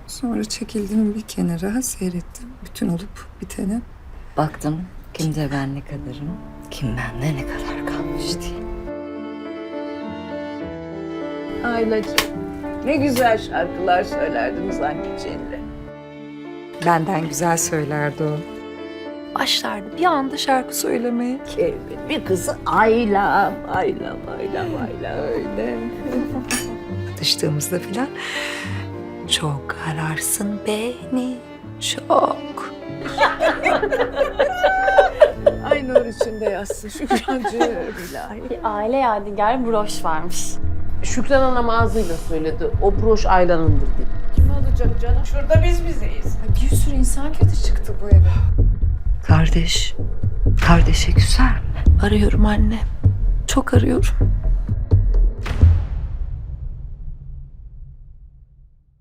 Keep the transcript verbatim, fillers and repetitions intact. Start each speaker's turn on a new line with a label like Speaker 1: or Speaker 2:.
Speaker 1: Sonra çekildim bir kenara, seyrettim bütün olup biteni.
Speaker 2: Baktım kimde ben ne kadarım, kim bende ne kadar kalmış diye.
Speaker 3: Aylacığım, ne güzel şarkılar söylerdiniz anneciğinle.
Speaker 1: Benden güzel söylerdi o. Başlardı bir anda şarkı söylemeye.
Speaker 3: Evet, bir kızı Ayla, Ayla, Ayla, Ayla öyle.
Speaker 1: Atıştığımızda filan çok ararsın beni, çok.
Speaker 3: Ay nur içinde yatsın Şükrancığım ilahi.
Speaker 4: Bir aile yadigarı broş varmış.
Speaker 5: Şükran Hanım ağzıyla söyledi. O broş Ayla'nındır dedi.
Speaker 3: Kim alacak canım? Şurada biz bizeyiz.
Speaker 1: Bir sürü insan kötü çıktı bu eve.
Speaker 2: Kardeş, kardeşe küser mi?
Speaker 1: Arıyorum anne. Çok arıyorum.